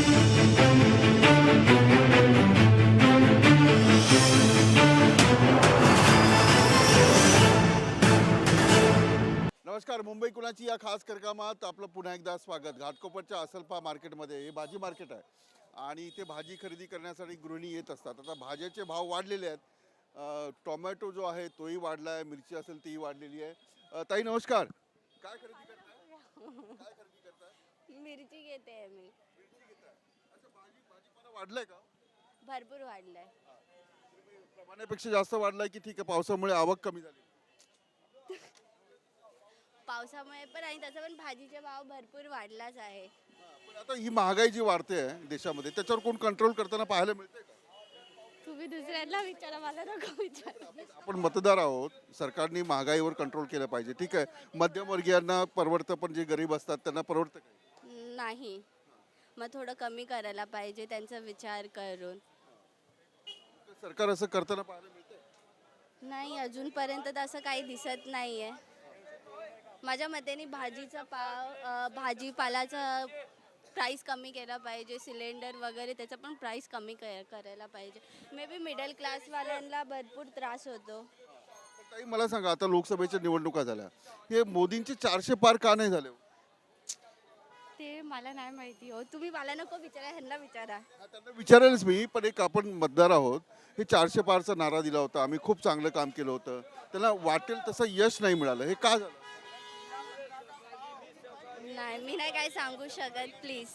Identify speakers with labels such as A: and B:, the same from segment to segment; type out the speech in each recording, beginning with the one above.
A: नमस्कार. मुंबई कुणाची या खास कार्यक्रमात आपलं पुन्हा एकदा स्वागत. घाटकोपरच्या असलपा मार्केटमध्ये हे भाजी मार्केट आहे आणि इथे भाजी खरेदी करण्यासाठी गृहिणी येत असतात. आता भाज्याचे भाव वाढलेले आहेत. टोमॅटो जो आहे तोही वाढला आहे, मिरची असेल तीही वाढलेली आहे. ताई नमस्कार. काय खरेदी करताय? काय खरेदी करताय?
B: मिरची घेते मी.
A: मिरची घेताय. अच्छा, भाजीपाला वाढलाय का?
B: भरपूर वाढलाय.
A: प्रमाणापेक्षा जास्त वाढलाय की ठीक आहे, पावसामुळे आवक कमी झाली?
B: पावसामुळे पण आणि तसं पण भाजीचे भाव भरपूर वाढलाच आहे.
A: पण आता ही महागाई जी वाढते आहे देशामध्ये, त्याच्यावर कोण कंट्रोल करताना पाहायला मिळते का?
B: तुम्ही दुसऱ्यांना विचारा, मला नको विचारा.
A: आपण मतदार आहोत. सरकारने महागाईवर कंट्रोल केलं पाहिजे. ठीक आहे, मध्यमवर्गीयांना परवडतं, पण जे गरीब असतात त्यांना परवडतं का?
B: नाही, मग थोडं कमी करायला पाहिजे त्यांचा विचार करून.
A: सरकार असं करताना पाहायला मिळतं?
B: नाही, अजूनपर्यंत तर असं काही दिसत नाही आहे. माझ्या मतेने भाजीपालाचा प्राईस कमी केला पाहिजे. सिलेंडर वगैरे त्याचा पण प्राईस कमी करायला पाहिजे. मे बी मिडल क्लासवाल्यांना भरपूर त्रास होतो.
A: ताई मला सांगा, आता लोकसभेच्या निवडणुका झाल्या, हे मोदींचे 400 पार का नाही झाले?
B: ते मला नाही माहिती हो. तुम्ही मला नको विचारा, ह्यांना विचारा.
A: त्यांना विचारेलच मी, पण एक आपण मतदार आहोत. हे 400 पारचा नारा दिला होता, आम्ही खूप चांगलं काम केलं होतं, त्यांना वाटेल तसं यश नाही मिळालं, हे का झालं?
B: नाही, मी नाही काय सांगू शकत, प्लीज.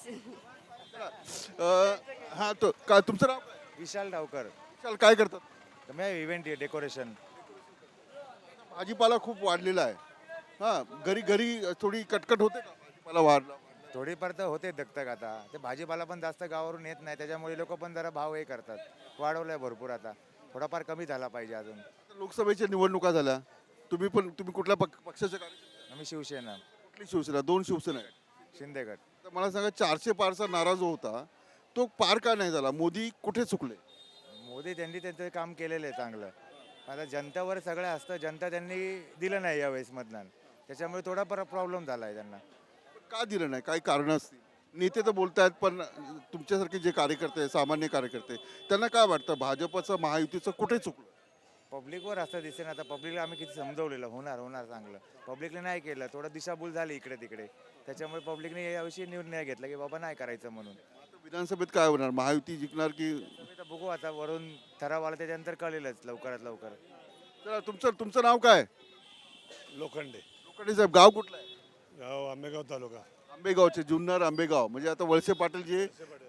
A: हा, तो काय तुमचं नाव काय?
C: विशाल डावकर.
A: विशाल, काय करतात?
C: तर मैं इव्हेंट डेकोरेशन.
A: भाजीपाला खूप वाढलेला आहे. हा, घरी घरी थोडी कटकट होते का भाजीपाला वाढला?
C: थोडीफार तर होते दगदग. आता ते भाजीपाला पण जास्त गावावरून येत नाही, त्याच्यामुळे लोक पण जरा भाव हे करतात. वाढवलाय भरपूर. आता थोडाफार कमी झाला पाहिजे अजून.
A: लोकसभेच्या निवडणुका झाल्या, तुम्ही कुठल्या पक्षाचे कार्यकर्ते?
C: आम्ही शिवसेना.
A: कुठली शिवसेना? 2 शिवसेना आहेत.
C: शिंदेगड.
A: तर मला सांगा, 400 पारचा नारा जो होता तो पार का नाही झाला? मोदी कुठे चुकले?
C: मोदी त्यांनी त्यांचं काम केलेलं आहे चांगलं. आता जनतेवर सगळं असतं. जनता त्यांनी दिलं नाही यावेळेस मतदान, त्याच्यामुळे थोडाफार प्रॉब्लेम झाला आहे त्यांना.
A: का दिलं नाही? काही कारणं असतील. नेते तर बोलतायत, पण तुमच्यासारखे जे कार्यकर्ते, सामान्य कार्यकर्ते, त्यांना काय वाटतं भाजपचं, महायुतीचं कुठे चुकलं?
C: पब्लिकवर असं दिसेल. आता पब्लिकला आम्ही किती समजवलेलं, होणार होणार चांगलं. पब्लिकने नाही केलं, थोडं दिशाभूल झाली इकडे तिकडे, त्याच्यामुळे पब्लिकने याविषयी निर्णय घेतला की बाबा नाही करायचं म्हणून.
A: आता विधानसभेत काय होणार? महायुती जिंकणार की?
C: आता बघू, आता वरून ठराव आला त्याच्यानंतर कळेलच लवकरात लवकर.
A: चला, तुमचं नाव काय?
D: लोखंडे.
A: लोखंडे साहेब, गाव कुठलं आहे?
D: गाव आंबेगाव तालुका.
A: आंबेगावचे, जुन्नर आंबेगाव. म्हणजे आता वळसे पाटील जे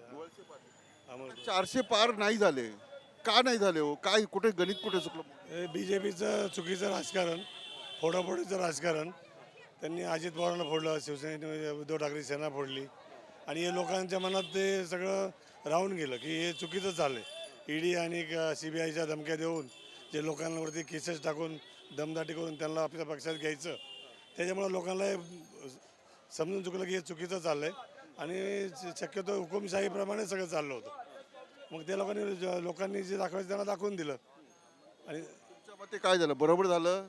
D: अमोल.
A: 400 पार नाही झाले, का नाही झाले हो? काय, कुठे गणित कुठे चुकलं?
D: हे BJPचं चुकीचं राजकारण, फोडाफोडीचं राजकारण. त्यांनी अजित पवारांना फोडलं, शिवसेनेने उद्धव ठाकरे सेना फोडली आणि हे लोकांच्या मनात ते सगळं राहून गेलं की हे चुकीचं चाललं आहे. ED आणि CBIच्या धमक्या देऊन जे लोकांवरती केसेस टाकून दमदाटी करून त्यांना आपल्या पक्षात घ्यायचं, त्याच्यामुळे लोकांना हे समजून चुकलं की हे चुकीचं चाललं आहे आणि शक्यतो हुकुमशाहीप्रमाणे सगळं चाललं होतं. मग त्या लोकांनी जे दाखवायचं त्यांना दाखवून दिलं. आणि
A: तुमच्या मते काय झालं? बरोबर झालं?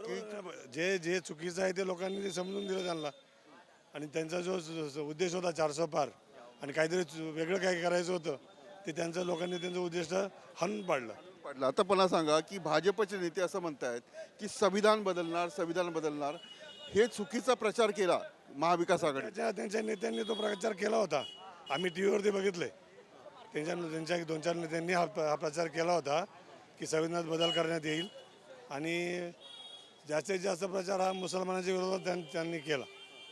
D: जे चुकीचं आहे ते लोकांनी ते समजून दिलं त्यांना. आणि त्यांचा जो उद्देश होता 400 पार आणि काहीतरी वेगळं काय करायचं होतं, ते त्यांचं लोकांनी त्यांचं उद्दिष्ट हाणून पाडलं.
A: आता मला सांगा की भाजपचे नेते असं म्हणतायत की संविधान बदलणार, हे चुकीचा प्रचार केला महाविकास आघाडी.
D: त्यांच्या नेत्यांनी तो प्रचार केला होता. आम्ही TVवरती बघितलंय. त्यांच्या 2-4 नेत्यांनी हा प्रचार केला होता की संविधानात बदल करण्यात येईल आणि जास्तीत जास्त प्रचार हा मुसलमानांच्या विरोधात त्यांनी केला.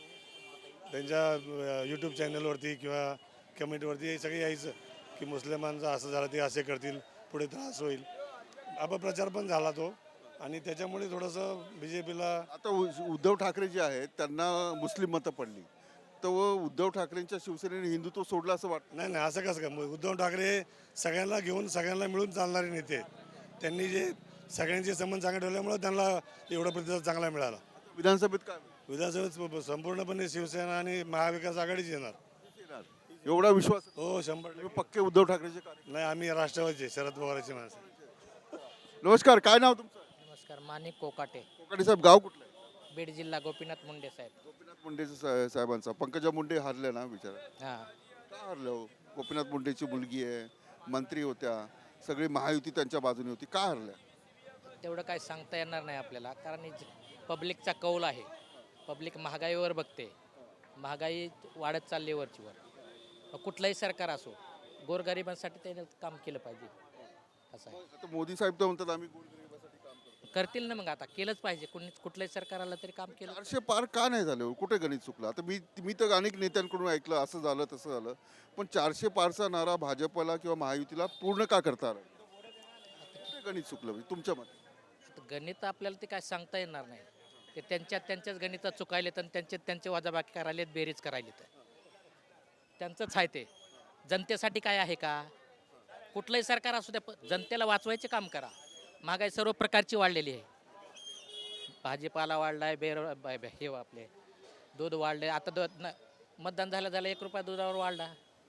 D: त्यांच्या YouTube चॅनलवरती किंवा कमेंटवरती हे सगळे यायचं की मुस्लिमांचं असं झालं, ते असे करतील, पुढे त्रास होईल. अपप्रचार पण झाला तो आणि त्याच्यामुळे थोडंसं BJPला.
A: आता उद्धव ठाकरे जे आहेत त्यांना मुस्लिम मतं पडली, तर उद्धव ठाकरेंच्या शिवसेनेने हिंदुत्व सोडलं असं वाटतं?
D: नाही, असं कसं काय? उद्धव ठाकरे सगळ्यांना घेऊन सगळ्यांना मिळून चालणारे नेते आहेत. त्यांनी जे सगळ्यांचे संबंध चांगले ठेवल्यामुळे त्यांना एवढा प्रतिसाद चांगला मिळाला.
A: विधानसभेत काय?
D: विधानसभेत संपूर्णपणे शिवसेना आणि महाविकास आघाडीच येणार.
A: एवढा विश्वास?
D: हो, 100%.
A: पक्के उद्धव ठाकरेचे कार्य?
D: नाही, आम्ही राष्ट्रवादीचे, शरद पवारांची माणसं.
A: नमस्कार, काय नाव तुमचं?
E: नमस्कार, माणिक कोकाटे.
A: कोकाटे साहेब, गाव कुठलं आहे?
E: बीड जिल्हा, गोपीनाथ मुंडे साहेब.
A: गोपीनाथ मुंडे साहेबांचा. पंकजा मुंडे हारले ना, विचारा.
E: हां,
A: का हरल्या हो? गोपीनाथ मुंडेची मुलगी आहे, मंत्री होत्या, सगळी महायुती त्यांच्या बाजूने होती, का हरल्या?
E: तेवढं काय सांगता येणार नाही आपल्याला, कारण पब्लिकचा कौल आहे. पब्लिक महागाईवर बघते, महागाई वाढत चालली वरची वर. मग कुठलंही सरकार असो, गोरगरिबांसाठी त्याने काम केलं पाहिजे असं आहे.
A: आता मोदी साहेब तर म्हणतात आम्ही गोरगरिबासाठी काम करतो.
E: करतील ना, मग आता केलंच पाहिजे. कुठलंही सरकार आलं तरी काम केलं.
A: 400 पार का नाही झाले हो? कुठे गणित चुकलं? आता मी तर अनेक नेत्यांकडून ऐकलं असं झालं तसं झालं, पण 400 पारचा नारा भाजपला किंवा महायुतीला पूर्ण का करता आला? कुठे गणित चुकलं म्हणजे तुमच्या मते?
E: आता गणित आपल्याला ते काय सांगता येणार नाही. ते त्यांच्याच गणितात चुकायलेत आणि त्यांचे वजाबाकी करायलेत, बेरीज करायलेत. त्यांचंच आहे ते. जनतेसाठी काय आहे का? कुठलंही सरकार असू द्या, जनतेला वाचवायचे काम करा. महागाई सर्व प्रकारची वाढलेली आहे. भाजीपाला वाढलाय, हे आपले दूध वाढले. आता मतदान झालं 1 रुपया दुधावर वाढला.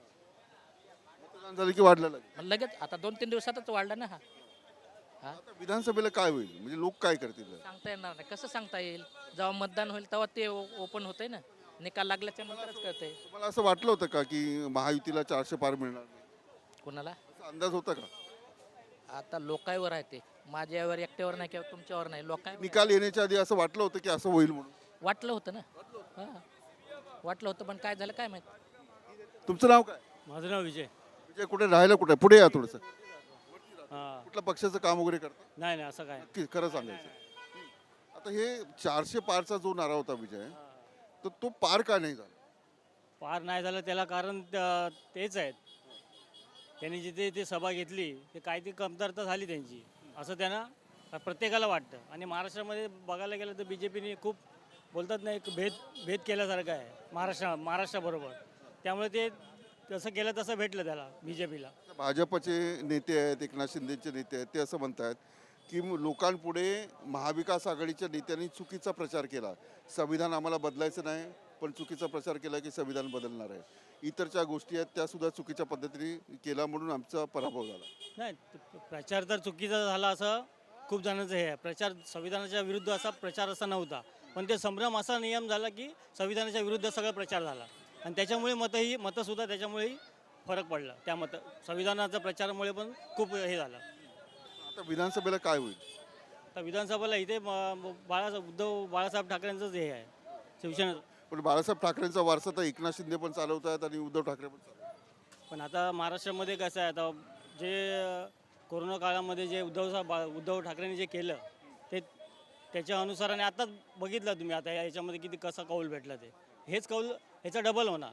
A: मतदान झालं की वाढलं लगेच.
E: मग लगेच आता 2-3 दिवसातच वाढला ना.
A: आता विधानसभेला काय होईल म्हणजे लोक काय करतील?
E: सांगता येणार नाही. कसं सांगता येईल? जेव्हा मतदान होईल तेव्हा ते ओपन होतंय ना. निकाल लागल्याच्या नंतरच कळतंय.
A: तुम्हाला असं वाटलं होतं का की महायुतीला 400 पार मिळणार नाही?
E: कोणाला?
A: असा अंदाज होता का?
E: आता लोकांवर आहे ते. माझ्यावर एकट्यावर नाही किंवा तुमच्यावर नाही. लोकांवर
A: निकाल येण्याच्या आधी असं वाटलं होतं की असं होईल म्हणून?
E: वाटलं होतं ना. हां, वाटलं होतं, पण काय झालं काय माहित.
A: तुमचं नाव काय?
F: माझं नाव विजय.
A: म्हणजे कुठे राहायला कुठे? पुढे या थोडंसं.
F: हां.
A: कुठल्या पक्षाचं काम वगैरे करता?
F: नाही नाही असं काय.
A: नक्की खरं सांगायचं. आता हे 400 पारचा जो नारा होता विजय, तर तो पार का नाही झाला?
F: पार नाही झालं त्याला कारण तेच आहेत. त्यांनी जिथे ते सभा घेतली ते काय ती कमतरता झाली त्यांची, असं त्यांना प्रत्येकाला वाटतं. आणि महाराष्ट्रामध्ये बघायला गेलं तर BJPने खूप बोलतात ना, एक भेद केल्यासारखं आहे महाराष्ट्राबरोबर. त्यामुळे ते तसं केलं तसं भेटलं त्याला BJPला.
A: भाजपचे नेते आहेत, एकनाथ शिंदेचे नेते आहेत, ते असं म्हणतात की लोकांपुढे महाविकास आघाडीच्या नेत्यांनी चुकीचा प्रचार केला. संविधान आम्हाला बदलायचं नाही, पण चुकीचा प्रचार केला की संविधान बदलणार आहे. इतर ज्या गोष्टी आहेत त्या सुद्धा चुकीच्या पद्धतीने केला म्हणून आमचा पराभव झाला.
F: नाही, प्रचार तर चुकीचा झाला असं खूप जणांचं हे आहे. प्रचार संविधानाच्या विरुद्ध असा प्रचार असा नव्हता, पण ते संभ्रम असा नियम झाला की संविधानाच्या विरुद्ध सगळा प्रचार झाला. आणि त्याच्यामुळे मतंसुद्धा त्याच्यामुळेही फरक पडला. त्या संविधानाच्या प्रचारामुळे पण खूप हे झालं.
A: आता विधानसभेला काय होईल?
F: तर विधानसभेला इथे उद्धव बाळासाहेब ठाकरेंचंच हे आहे, शिवसेना.
A: पण बाळासाहेब ठाकरेंचा वारसा तर एकनाथ शिंदे पण चालवत आहेत आणि उद्धव ठाकरे पण चालवतात.
F: पण आता महाराष्ट्रामध्ये कसं आहे, आता जे कोरोना काळामध्ये जे उद्धव ठाकरेंनी जे केलं ते त्याच्या अनुसाराने आताच बघितलं तुम्ही. आता याच्यामध्ये किती कसा कौल भेटला, ते हेच कौल ह्याचा डबल होणार.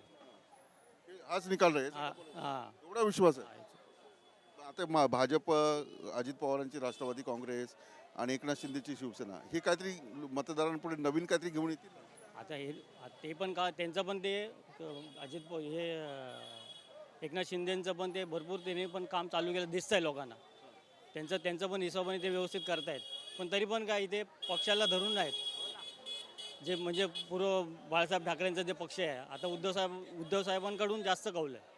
A: आज निकाल राहील
F: हां.
A: एवढा विश्वास आहे. आता भाजप, अजित पवारांची राष्ट्रवादी काँग्रेस आणि एकनाथ शिंदेची शिवसेना हे काहीतरी मतदारांपुढे नवीन काहीतरी घेऊन येतील.
F: आता ते पण का त्यांचं पण ते एकनाथ शिंदेचं पण ते भरपूर त्यांनी पण काम चालू केलं दिसतंय लोकांना. त्यांचं पण हिशोबाने ते व्यवस्थित करतायत. पण तरी पण काय इथे पक्षाला धरून नाहीत. जे म्हणजे पूर्व बाळासाहेब ठाकरेंचा जे पक्ष आहे, आता उद्धव साहेबांकडून जास्त कौल आहे.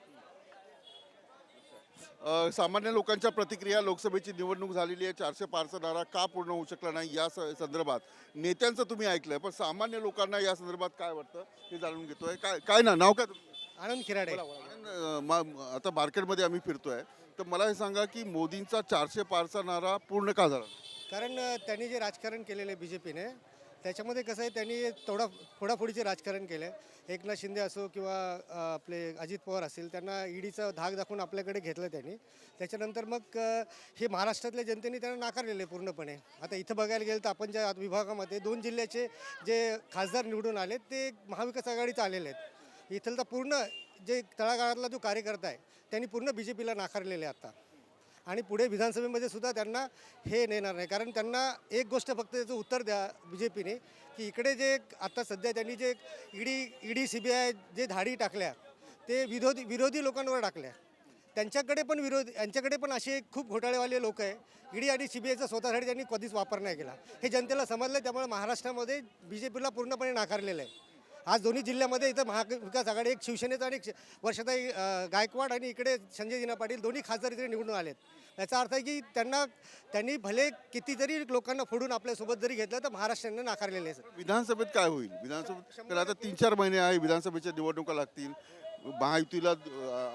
A: सामान्य लोकांच्या प्रतिक्रिया, लोकसभेची निवडणूक झालेली आहे, 400 पारचा नारा का पूर्ण होऊ शकला नाही या संदर्भात नेत्यांचं तुम्ही ऐकलंय, पण सामान्य लोकांना या संदर्भात काय वाटतं हे जाणून घेतोय. काय नाव काय तुमचं?
G: आनंद खिराडे.
A: आता मार्केटमध्ये आम्ही फिरतोय, तर मला हे सांगा की मोदींचा 400 पारचा नारा पूर्ण का झाला?
G: कारण त्यांनी जे राजकारण केलेलं आहे BJPने, त्याच्यामध्ये कसं आहे, त्यांनी फोडाफोडीचे राजकारण केलं आहे. एकनाथ शिंदे असो किंवा आपले अजित पवार असतील, त्यांना ईडीचा धाक दाखवून आपल्याकडे घेतलं त्यांनी. त्याच्यानंतर मग हे महाराष्ट्रातल्या जनतेने त्यांना नाकारलेलं आहे पूर्णपणे. आता इथं बघायला गेलं तर आपण ज्या विभागामध्ये 2 जिल्ह्याचे जे खासदार निवडून आले ते महाविकास आघाडीचे आलेले आहेत. इथलं तर पूर्ण जे तळागाळातला जो कार्यकर्ता आहे त्यांनी पूर्ण BJPला नाकारलेले आहे आता. आणि पुढे विधानसभेमध्ये सुद्धा त्यांना हे नेणार नाही. कारण त्यांना एक गोष्ट फक्त त्याचं उत्तर द्या BJPने, की इकडे जे आता सध्या त्यांनी जे ईडी CBI जे धाडी टाकल्या ते विरोधी लोकांवर टाकल्या. यांच्याकडे पण असे खूप घोटाळेवाले लोक आहे. ईडी आणि CBIचा स्वतःसाठी त्यांनी कधीच वापर नाही केला. हे जनतेला समजलं. त्यामुळे महाराष्ट्रामध्ये BJPला पूर्णपणे नाकारलेलं आहे. आज दोन्ही जिल्ह्यामध्ये इथं महाविकास आघाडी, एक शिवसेनेचा आणि एक वर्षाताई गायकवाड आणि इकडे संजय दिना पाटील दोन्ही खासदार इकडे निवडून आलेत. याचा अर्थ आहे की त्यांनी भले कितीतरी लोकांना फोडून आपल्यासोबत जरी घेतलं तर महाराष्ट्राने नाकारलेले आहे.
A: विधानसभेत काय होईल? विधानसभेत तर आता 3-4 महिने आहे, विधानसभेच्या निवडणुका लागतील. महायुतीला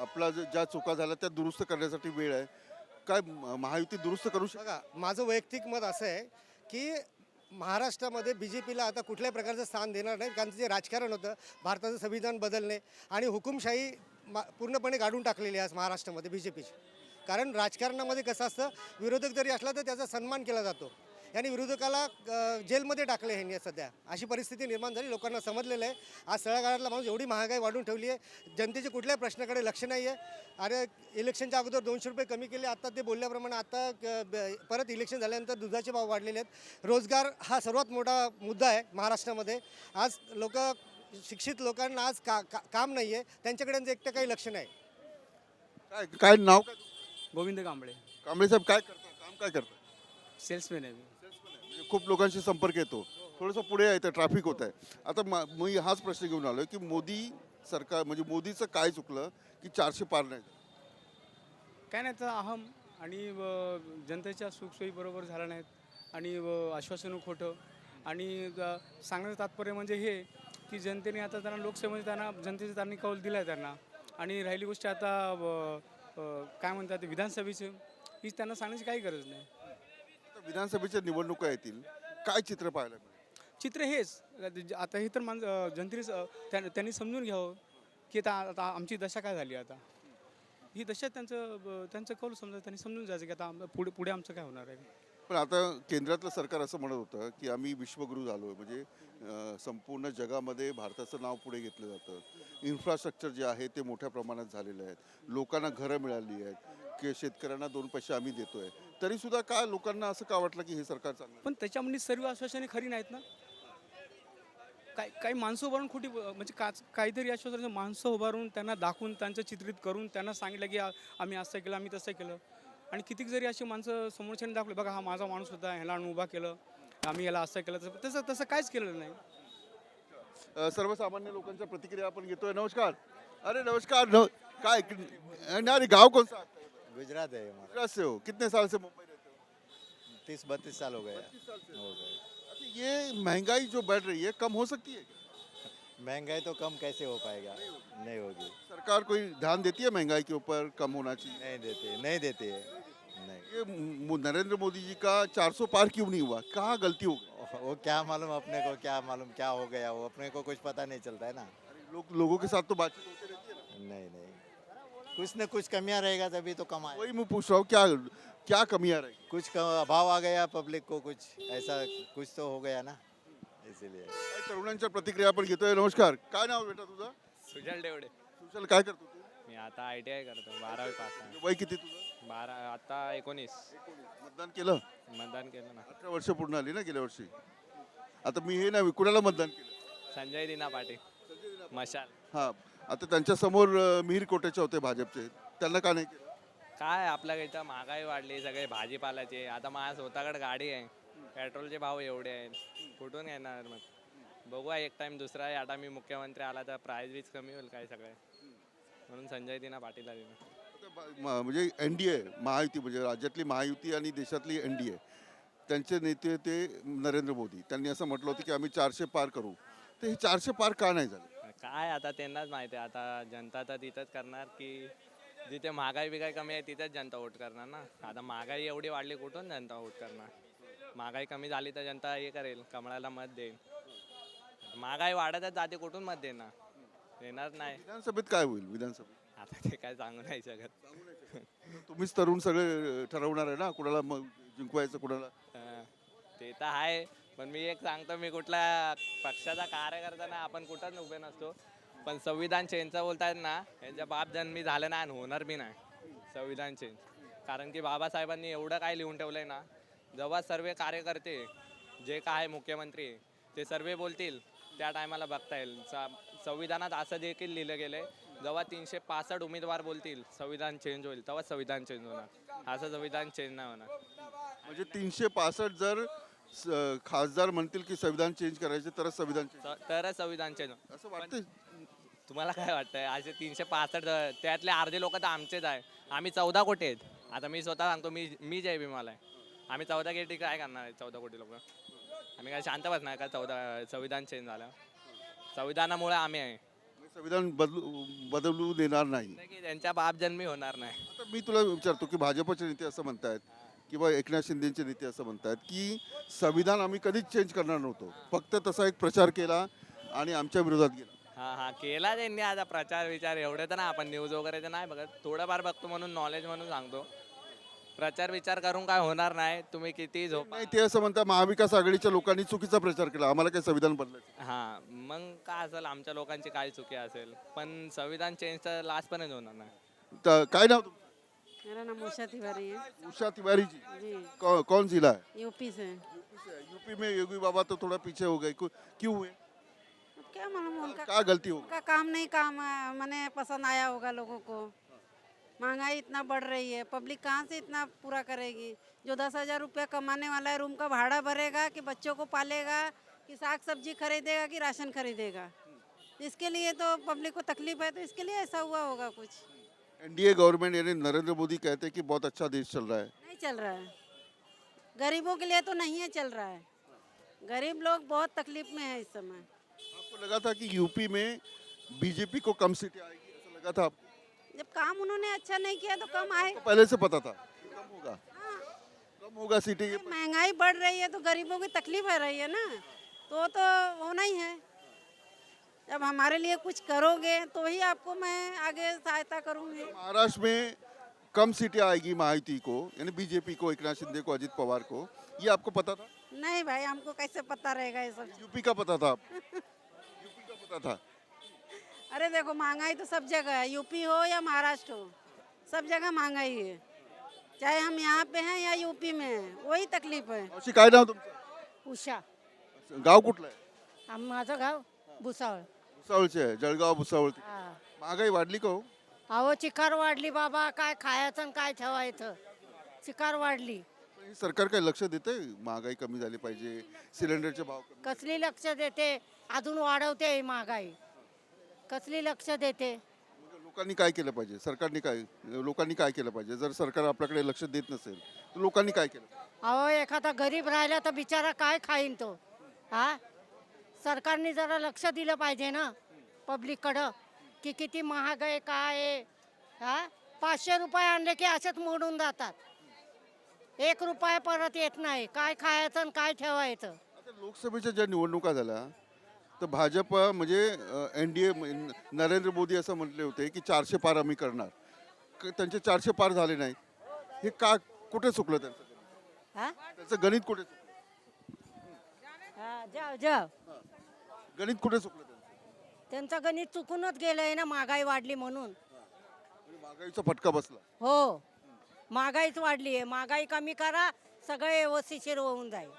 A: आपला ज्या चुका झाल्या त्या दुरुस्त करण्यासाठी वेळ आहे. काय महायुती दुरुस्त करू शकते?
G: बघा, माझं वैयक्तिक मत असं आहे की महाराष्ट्रामध्ये बी जे पीला आता कुठल्याही प्रकारचं स्थान देणार नाही, कारण जे राजकारण होतं, भारताचं संविधान बदलणे आणि हुकुमशाही पूर्णपणे काढून टाकलेली आहे आज महाराष्ट्रामध्ये बी जे पीची. कारण राजकारणामध्ये कसं असतं, विरोधक जरी असला तर त्याचा सन्मान केला जातो, आणि विरोधकाला जेलमध्ये टाकले ह्यांनी सध्या. अशी परिस्थिती निर्माण झाली, लोकांना समजलेलं आहे. आज तळागाळातला माणूस एवढी महागाई वाढून ठेवली आहे, जनतेच्या कुठल्याही प्रश्नाकडे लक्ष नाही आहे. अरे इलेक्शनच्या अगोदर 200 रुपये कमी केले, आता ते बोलल्याप्रमाणे आता परत इलेक्शन झाल्यानंतर दुधाचे भाव वाढलेले आहेत. रोजगार हा सर्वात मोठा मुद्दा आहे महाराष्ट्रामध्ये. आज शिक्षित लोकांना आज काम नाही आहे, त्यांच्याकडे यांचं एकटं काही लक्ष नाही.
A: काय काय नाव काय?
H: गोविंद कांबळे,
A: कांबळे साहेब काय करतात, काम काय करतात?
H: सेल्समॅन आहे मी.
A: म्हणजे खूप लोकांशी संपर्क येतो. थोडंसं पुढे आहे तर ट्रॅफिक होत आहे. आता मी हाच प्रश्न घेऊन आलो की मोदी सरकार म्हणजे मोदीचं काय चुकलं की 400 पार नाही झालं?
H: काय नाही तर अहम आणि जनतेच्या सुखसोयी बरोबर झाल्या नाहीत आणि आश्वासनं खोटं आणि सांगण्याचं तात्पर्य म्हणजे हे की जनतेने आता त्यांना लोकसभेमध्ये त्यांना जनतेचा त्यांनी कौल दिला आहे त्यांना. आणि राहिली गोष्ट आता काय म्हणतात विधानसभेची, हीच त्यांना सांगण्याची काही गरज नाही.
A: आता विधानसभेच्या निवडणुका येतील, काय चित्र पाहायला मिळेल?
H: चित्र हेच आता हे तर जनतेने त्यांनी समजून घ्यावं की आता आमची दशा काय झाली. आता ही दशा त्यांचं कौल समजा त्यांनी समजून जायचं की आता पुढे आमचं काय होणार आहे.
A: पण आता केंद्रातलं सरकार असं म्हणत होतं की आम्ही विश्वगुरू झालो आहे, म्हणजे संपूर्ण जगामध्ये भारताचं नाव पुढे घेतलं जातं. इन्फ्रास्ट्रक्चर जे आहे ते मोठ्या प्रमाणात झालेलं आहे, लोकांना घरं मिळाली आहेत, की शेतकऱ्यांना 2 पैसे आम्ही देतोय. तरीसुद्धा काय लोकांना असं का वाटलं की हे सरकार चांगलं आहे?
H: पण त्याच्यामध्ये सर्व आश्वासने खरी नाहीत ना. काही माणसं उभारून खोटी म्हणजे काहीतरी आश्वासन माणसं उभारून त्यांना दाखवून त्यांचं चित्रित करून त्यांना सांगितलं की आम्ही असं केलं, आम्ही तसं केलं. आणि कितीक जरी अशी माणसं समोरच्याने दाखवले, बघा हा माझा माणूस होता, ह्याला आम्ही उभा केलं, आम्ही याला असं केलं, तसं काहीच केलेलं नाही.
A: सर्वसामान्य लोकांच्या प्रतिक्रिया आपण घेतोय. नमस्कार. अरे नमस्कार. काय अरे गाँव कौन सा आपका?
C: गुजरात है हमारा,
A: गुजरात से हो? कितने साल से मुंबई रहते हो?
C: 30-32 साल हो गए.
A: 32 साल से।
C: हो गए.
A: अच्छा, ये महंगाई जो बढ़ रही है कम हो सकती है क्या?
C: महंगाई तो कम कैसे हो पाएगा, नहीं होगी.
A: सरकार कोई ध्यान देती है महंगाई के ऊपर, कम होना चाहिए?
C: नहीं देते है. नहीं.
A: ये नरेंद्र मोदी जी का 400 पार क्यों नहीं हुआ? कहाँ गलती हो गई?
C: वो क्या मालूम अपने को, क्या मालूम क्या हो गया, वो अपने को कुछ पता नहीं चलता है ना.
A: लोगों के साथ तो बातचीत होती रहती है ना?
C: नहीं, कुछ न कुछ कमियां रहेगा तभी तो कमाए.
A: वही मैं पूछ रहा हूँ, क्या क्या कमियां रही?
C: कुछ अभाव आ गया पब्लिक को, कुछ ऐसा कुछ तो हो गया ना, इसीलिए.
A: काय तरुणांच्या प्रतिक्रिया आपण घेतोय. नमस्कार. काय नाव बेटा तुझं?
I: सुजल डेवडे.
A: सुशल, काय करतो तू?
I: मी आता ITI करतो, 12वी पास आहे.
A: वय किती तुझं?
I: 12 आता 19.
A: मतदान केलं?
I: मतदान केलं ना.
A: 18 वर्ष पूर्ण आली ना गेल्या वर्षी. आता मी हे नाही, कुणाला मतदान केलं?
I: संजय दिना पाटील, मशाल.
A: हा, आता त्यांच्या समोर मिहीर कोटेचे होते भाजपचे, त्यांना का नाही केलं?
I: काय आपल्याकडे इथं महागाई वाढली, सगळे भाजीपाल्याचे. आता माझ्या स्वतःकडे गाडी आहे, पेट्रोलचे भाव एवढे आहेत, कुठून येणार मग. बघूया एक टाइम दुसरा आहे. आता मी मुख्यमंत्री आला तर प्राईस बीज कमी होईल काय सगळे, म्हणून संजय दिना पाटीलला दिलं.
A: आता म्हणजे NDA महायुती, म्हणजे राज्यातली महायुती आणि देशातली NDA, त्यांचे नेते ते नरेंद्र मोदी, त्यांनी असं म्हटलं होतं की आम्ही 400 पार करू. तर हे 400 पार का नाही झाले?
I: काय आता त्यांनाच माहिती आहे. आता जनता तर तिथंच करणार की जिथे महागाई बिगाई कमी आहे तिथेच जनता वोट करणार ना. आता महागाई एवढी वाढली, कुठून जनता वोट करणार. महागाई कमी झाली तर जनता हे करेल, कमळाला मत देईल. महागाई वाढतच जाते, कुठून मत देणार, देणार नाही.
A: विधानसभेत काय होईल? विधानसभेत
I: आता ते काय सांगू नाही शकत.
A: तुम्हीच तरुण सगळे ठरवणार आहे ना, कुणाला मग जिंकवायचं, कुणाला.
I: ते तर आहे, पण मी एक सांगतो, मी कुठल्या पक्षाचा कार्यकर्ता नाही, आपण कुठंच उभे नसतो. पण संविधान चेंजचं बोलतायत ना, यांच्या बाप जन्मी झालं नाही आणि होणार बी नाही संविधान चेंज. कारण की बाबासाहेबांनी एवढं काय लिहून ठेवलंय ना, जेव्हा सर्व कार्यकर्ते जे काय मुख्यमंत्री ते सर्व बोलतील त्या टायमाला बघता येईल. संविधानात असं देखील लिहिलं गेलंय, जेव्हा 365 उमेदवार बोलतील संविधान चेंज होईल, तेव्हा संविधान चेंज होणार. असं संविधान चेंज नाही होणार.
A: म्हणजे 365 जर खासदार म्हणतील की संविधान चेंज करायचे तरच संविधान चेंज,
I: तरच संविधान चेंज होणार.
A: असं वाटतंय?
I: तुम्हाला काय वाटतंय? असे 365 त्यातले अर्धे लोक तर आमचेच आहे. आम्ही 14 कोटी आहेत. आता मी स्वतः सांगतो, मी जय भीमाला आहे. आम्ही 14 कोटी काय करणार आहे? 14 कोटी लोक आम्ही काय शांत बसणार का? संविधान चेंज झालं, संविधानामुळे आम्ही आहे.
A: संविधान बदलू देणार नाही.
I: की त्यांच्या बाप जन्मी होणार नाही.
A: आता मी तुला विचारतो की भाजपचे नेते असं म्हणतायत किंवा एकनाथ शिंदेचे नेते असं म्हणतायत की संविधान आम्ही कधीच चेंज करणार नव्हतो, फक्त तसा एक प्रचार केला आणि आमच्या विरोधात गेला.
I: हा केला त्यांनी आता प्रचार विचार एवढे तर ना आपण न्यूज वगैरे तर नाही बघत, थोडंफार बघतो म्हणून नॉलेज म्हणून सांगतो. प्रचार विचार करून काय होणार नाही, तुम्ही किती झोपा.
A: नाही, ते असं म्हणतात महाविकास आघाडीच्या लोकांनी चुकीचा प्रचार केला, आम्हाला काही संविधान बदलायचं.
I: हा मग काय असेल आमच्या लोकांची काय चुकी असेल, पण संविधान चेंज तर लास्टपर्यंत होणार नाही.
A: तर काय नाव तुमचं?
J: मेरा नाम उषा तिवारी है
A: उषा तिवारी जी,
J: जी,
A: कौन जिला है?
J: यूपी से।
A: यूपी में योगी बाबा तो थोड़ा पीछे हो गए, क्यों हुए?
J: अब क्या मालूम उनका
A: क्या गलती हो गई?
J: उनका काम नहीं, काम मैंने पसंद आया होगा लोगों को। महंगाई इतना बढ़ रही है, पब्लिक कहाँ से इतना पूरा करेगी? जो 10,000 रुपया कमाने वाला है रूम का भाड़ा भरेगा कि बच्चों को पालेगा कि साग सब्जी खरीदेगा कि राशन खरीदेगा? इसके लिए तो पब्लिक को तकलीफ है, तो इसके लिए ऐसा हुआ होगा कुछ।
A: एनडीए गवर्नमेंट यानी नरेंद्र मोदी कहते हैं कि बहुत अच्छा देश चल रहा है.
J: नहीं चल रहा है, गरीबों के लिए तो नहीं है चल रहा है। गरीब लोग बहुत तकलीफ में है इस समय।
A: आपको लगा था कि यूपी में बीजेपी को कम सीटें आएगी, ऐसा लगा था आपको?
J: जब काम उन्होंने अच्छा नहीं किया तो कम आए।
A: आपको पहले से पता था कम होगा, कम होगा सीटें ये?
J: महंगाई बढ़ रही है तो गरीबों की तकलीफ हो रही है ना, तो होना ही है। जब हमारे लिए कुछ करोगे तो ही आपको मैं आगे सहायता करूंगी।
A: महाराष्ट्र में कम सीटें आएगी महायुति को, यानी बीजेपी को, एकनाथ शिंदे को, अजित पवार को, ये आपको पता था?
J: नहीं भाई, हमको कैसे पता रहेगा ये सब?
A: यूपी का पता था आपको? यूपी का पता था?
J: अरे देखो, महंगाई तो सब जगह है, यूपी हो या महाराष्ट्र हो, सब जगह महंगाई है। चाहे हम यहाँ पे हैं या यूपी में हैं, वही तकलीफ है।
A: अशी काय नाव तुमचं?
J: उषा,
A: गाव कुठलं आहे?
J: माझं गाव भुसावळ।
A: भुसावळचे आहे, जळगाव भुसावळ. महागाई वाढली का हो?
J: अहो चिकार वाढली बाबा, काय खायचं आणि काय ठेवायचं, चिकार वाढली।
A: पण हे सरकार काही लक्ष देते? महागाई कमी झाली पाहिजे, सिलेंडरचे भाव कमी.
J: कसली लक्ष देते? अजून वाढवते ही महागाई, कसली लक्ष देते?
A: मग लोकांनी काय केलं पाहिजे? लोकांनी काय केलं पाहिजे? जर सरकार आपल्याकडे लक्ष देत नसेल तर लोकांनी काय केलं?
J: अहो एखादा गरीब राहिला तर बिचारा काय खाईन तो? हा, सरकारने जरा लक्ष दिलं पाहिजे ना पब्लिककडं, की किती महाग आहे काय आहे. हा, 500 रुपये आणले की असेच मोडून जातात, 1 रुपया परत येत नाही. काय खायचं आणि काय ठेवायचं?
A: आता लोकसभेच्या ज्या निवडणुका झाल्या तर भाजप म्हणजे एनडीए नरेंद्र मोदी असं म्हटले होते की 400 पार आम्ही करणार. त्यांचे 400 पार झाले नाहीत. हे का, कुठे चुकलं त्यांचं?
J: हा,
A: त्याचं गणित कुठे चुकलं?
J: जाव
A: गणित कुठे चुकलं त्यांचं?
J: त्यांचं गणित चुकूनच गेलंय ना, महागाई वाढली म्हणून.
A: म्हणजे महागाईचा फटका बसला.
J: हो, महागाईच वाढली आहे, महागाई कमी करा, सगळे व्यवस्थिशीर होऊन जाईल.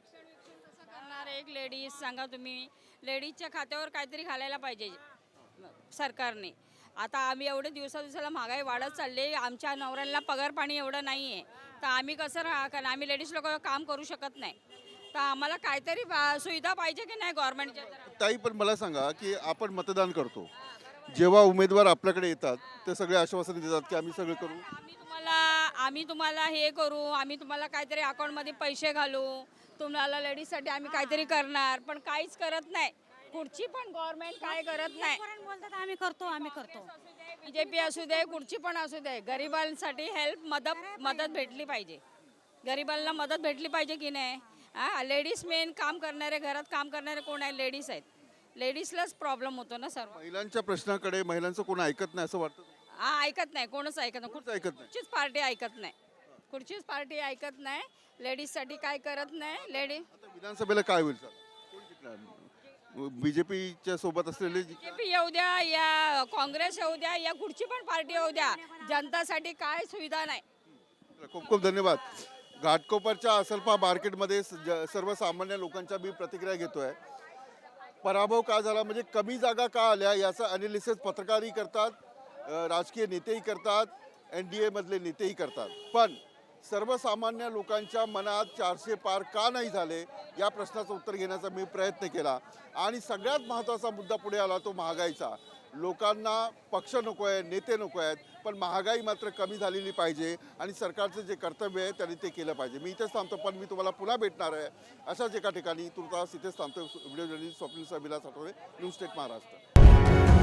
K: करणार एक लेडीज सांगा तुम्ही, लेडीजच्या खात्यावर काहीतरी घालायला पाहिजे सरकारने. आता आम्ही एवढे दिवसाला महागाई वाढत चालली, आमच्या नवऱ्यांना पगार पाणी एवढं नाही आहे, तर आम्ही कसं कारण आम्ही लेडीज लोक काम करू शकत नाही, तर आम्हाला काहीतरी सुविधा पाहिजे की नाही गव्हर्नमेंटच्या.
A: ताई, पण मला सांगा की आपण मतदान करतो, जेव्हा उमेदवार आपल्याकडे येतात ते सगळे आश्वासन देतात की आम्ही सगळं करू,
K: आम्ही तुम्हाला हे करू, आम्ही तुम्हाला काहीतरी अकाउंटमध्ये पैसे घालू, तुम्हाला लेडीजसाठी आम्ही काहीतरी करणार, पण काहीच करत नाही. कुठची पण गव्हर्नमेंट काय करत नाही.
J: बोलतात आम्ही करतो.
K: बीजेपी असू दे, कुठची पण असू दे, गरिबांसाठी हेल्प मदत भेटली पाहिजे. गरिबांना मदत भेटली पाहिजे की नाही. हा, लेडीज मेन काम करणारे, घरात काम करणारे कोण आहे? लेडीज आहेत. लेडीजलाच प्रॉब्लेम होतो ना सर्व.
A: महिलांच्या प्रश्नाकडे महिलांचं कोण ऐकत नाही असं वाटतं?
K: हा, ऐकत नाही, कोणच ऐकत नाही.
A: कोणच ऐकत नाही.
K: कुठचीच पार्टी ऐकत नाही, कुठचीच पार्टी ऐकत नाही. लेडीजसाठी काय करत नाही. लेडीज
A: आता विधानसभेला काय होईल सर? कोण जिंकणार? बीजेपीच्या सोबत असलेले
K: बीजेपी येऊ द्या या काँग्रेस येऊ द्या या कुठची पण पार्टी येऊ द्या, जनतासाठी काय सुविधा नाही.
A: खूप खूप धन्यवाद. घाटकोपरच्या असलपा मार्केटमध्ये सर्वसामान्य लोकांच्या मी प्रतिक्रिया घेतोय. पराभव का झाला, म्हणजे कमी जागा का आल्या याचं अनालिसिस पत्रकारही करतात, राजकीय नेतेही करतात, एनडीए मधले नेतेही करतात. पण सर्वसामान्य लोकांच्या मनात 400 पार का नाही झाले या प्रश्नाचं उत्तर घेण्याचा मी प्रयत्न केला. आणि सगळ्यात महत्त्वाचा मुद्दा पुढे आला तो महागाईचा. लोकांना पक्ष नको आहे, नेते नको आहेत, पण महागाई मात्र कमी झालेली पाहिजे आणि सरकारचं जे कर्तव्य आहे त्यांनी ते केलं पाहिजे. मी इथेच थांबतो, पण मी तुम्हाला पुन्हा भेटणार आहे अशाच एका ठिकाणी. तुर्तास इथेच थांबतो. Video journalist Swapnil Vilas Athawale, news state Maharashtra.